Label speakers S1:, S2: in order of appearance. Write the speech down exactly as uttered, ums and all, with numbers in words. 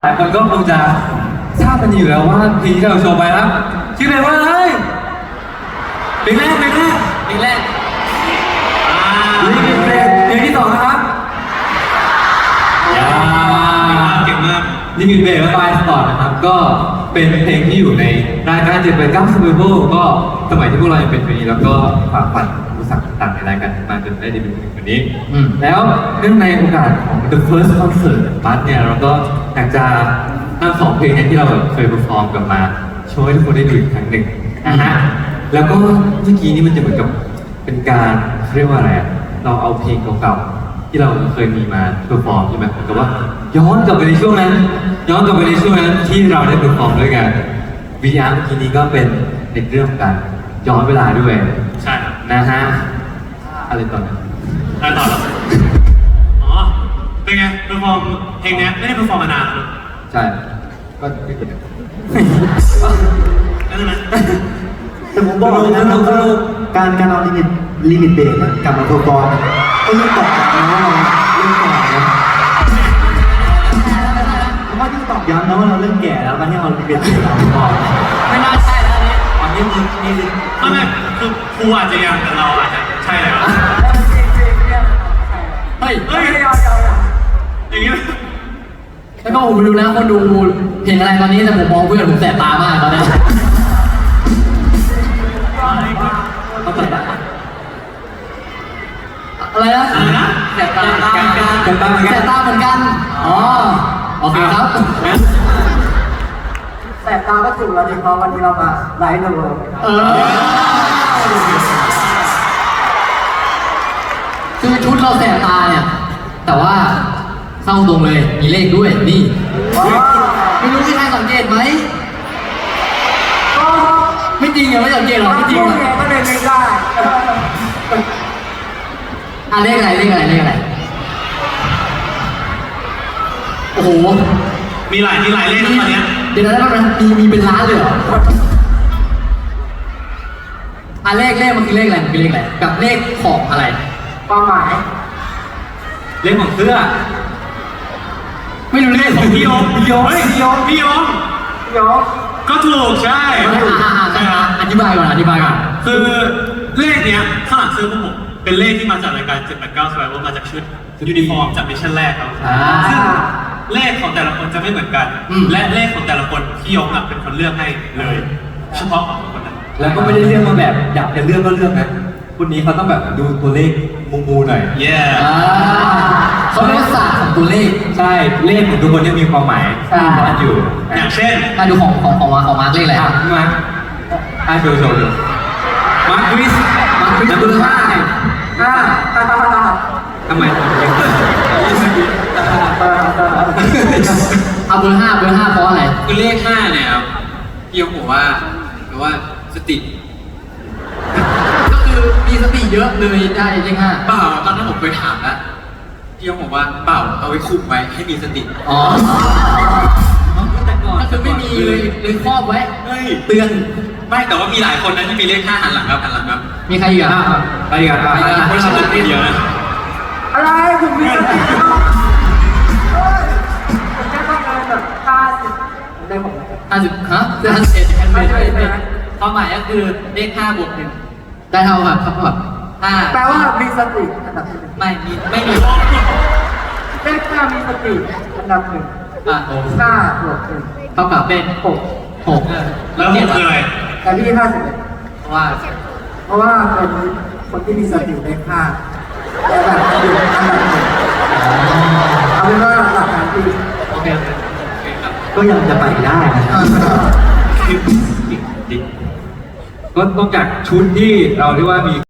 S1: หลายคนก็คงจะทราบกันอยู่แล้วว่าเพลงที่เราโชว์ไปครับชื่อเพลงว่าอะไรเพลงแรกเพลงแรกเพลงแรกนี่เป็นเพลงเพลงที่สองนะครับยาเก่งมากนี่มีเบสและไฟสปอร์ตนะครับก็เป็นเพลงที่อยู่ในรายการเจ็ดแปดเก้าซูเปอร์โบว์ก็สมัยที่พวกเรายังเป็นเพลงนี้แล้วก็ฝากฝันอุปสรรคต่างๆในรายการมาจนได้ดีเป็นเพลงวันนี้แล้วเนื่องในโอกาสของ The First Concert บัสเนี่ยเราก็อยากจะนำสองเพลงนี้ที่เราเคยเปอร์ฟอร์มกลับมาโชว์ให้ทุกคนได้ดูอีกครั้งหนึ่งนะฮะแล้วก็เมื่อกี้นี้มันจะเหมือนกับเป็นการเรียกว่าอะไรอะเราเอาเพลงเก่าๆที่เราเคยมีมาเปอร์ฟอร์มใช่ไหมเหมือนกับว่าย้อนกลับไปในช่วงนั้นย้อนกลับไปในช่วงนั้นที่เราได้เปอร์ฟอร์มด้วยกันวิดีอาร์เมื่อกี้นี้ก็เป็นในเรื่องของการย้อนเวลาด้วย
S2: ใช่ครับ
S1: นะฮะอะไรต่อเนี่ย
S2: อะไรต่อแล้วอ๋อเป็นไงเปอร์ฟอร์มเพลงนี้ไม่ได้เปอร์ฟอร์มมานานแล้ว
S1: ใช่ก็ไม่เกิด
S2: นั่นนะ
S3: แต่ผมบอกเลยนะว่าการการเอาลิมิตลิมิตเบรกกลับมาตัวกรก็ยิ่งตอกย้ำนะว่าเราเริ่มแก่นะเพราะว่ายิ่งตอกย้ำนะว่าเราเริ่มแก่แล้วการที่เอาลิมิตเบรกกลับมาตัวกร
S1: ไม่น่าใช่แล้วเนี่ยตอนนี้มึงนี่เลย
S2: ไม่ไม่คือครูอาจจะยังแต่เราอาจจะใช่แล้ว
S1: เฮ้ย
S2: เฮ้ยอย่างนี้
S4: แล้วก็ผมไปดูนะคนดูเพลงอะไรตอนนี้แต่ผมมองเพื่อนผมแสบตามากตอนนี้อะไรนะแสบตาแสบตาแสบตาเหมือนกันอ๋อโอเคครับ
S3: แสบตาก็ถูกแล้วดิเพราะวันนี้เรามาไลฟ์ดู
S4: เออคือชุดเราแสบตาเนี่ยแต่ว่าเข้าตรงเลยมีเลขด้วยนี่ไม่รู้ที่ใครสังเกตไหมไม่จริงอ่ะไม่สังเกตหรอกไม่จริงอ่ะ
S3: ก็เลยไม่ได้
S4: อ่ะเลขอะไรเลขอะไรเลขอะไรโอ้โห
S2: มีหลายมีหลายเลขนะตอนนี้
S4: เดี๋ยวนะมันมีมีเป็นล้านเลยเหรออ่ะเลขเลขมันคือเลขอะไรมันคือเลขอะไรกับเลขของอะไร
S3: ความหมาย
S1: เลขของเสื้อ
S4: ไม่รู้เลขของพี่โยม
S2: พี่โยมพี่โยมพี่โยม
S3: พี่โยม
S2: ก็ถูกใช่
S4: ใช่ครับอธิบายก่อนอธิบายก่อน
S2: คือเลขเนี้ยข้างหลังเสื้อพวกผมเป็นเลขที่มาจากรายการเจ็ดแปดเก้า Survival มาจากชุดยูนิฟอร์มจากมิชชั่นแรกครับซึ่งเลขของแต่ละคนจะไม่เหมือนกันและเลขของแต่ละคนพี่ยงเป็นคนเลือกให้เลยเฉพาะของคนนั้น
S1: แล้วก็ไม่ได้เลือกมาแบบอยากจะเลือกก็เลือกนะคนนี้เขาต้องแบบดูตัวเลขมูมูหน่อย
S2: เย้
S4: เขาเรียกศาสตร์ของตัวเลข
S1: ใช่เลขของทุกคนยังมีความหมายซ่อนอยู่
S2: อย่างเช่น
S4: มาดูของของของมาของมาร์กเลขอะไร
S1: อ่ะมาร์กอ่ะโชว์โชว์มาร์กคริสมาร์กคริสนับเบอร์ห้า
S3: ห้า
S1: ทำไม
S4: เอาเบอร์ห้าเบอร์ห้าเพราะอะไร
S1: คือเลขห้าเนี่ยครับพี่ยงบอกว่าแปลว่าสติ
S4: ก็คือมีสติเยอะเลยได้เลขห้า
S1: เปล่าตอนนั้นผมเคยถามแล้วพี่ยงบอกว่าเปล่าเอาไว้คุมไว้ให้มีสติ
S4: อ๋อก็คือไม่มีเลยเลยครอบไว้
S1: เตือนไม่แต่ว่ามีหลายคนนะที่มีเลขห้าหันหลังครับหันหลังครับ
S4: มีใครอีกอ่ะ
S1: ใครอีกอ่ะไม่ใช่คนเดียวนะ
S3: อะไรผมมีสติเฮ้ยผมแค่ต้องการแบบห้าสิบได้ผม
S4: ห้าสิบฮะคือห้าสิบเอ็ดแอนไม่ใช่ความหมายก็คือเลขห้าบวกหนึ่งได้เท่ากับเท่ากับห้า
S3: แปลว่ามีสติอันดับหนึ่ง
S4: ไม่มีไม่มี
S3: เลขห้ามีสติอันดับหนึ่ง
S4: อ่ะ
S3: ห้าบวกหนึ่ง
S4: เท่ากับเป็นหกหก
S2: แล้วหกคืออะไร
S3: แต่พี่ห้าสิบเอ็ด
S4: เพราะว่า
S3: เพราะว่าเป็นคนที่มีสติเลขห้าแต่แบบอยู่อันดับหนึ่งเอาเป็นว่าหลักการที่
S4: โอเค
S3: ก็ยังจะไปได้นะ
S1: ก็ต้องจากชุดที่เราเรียกว่ามี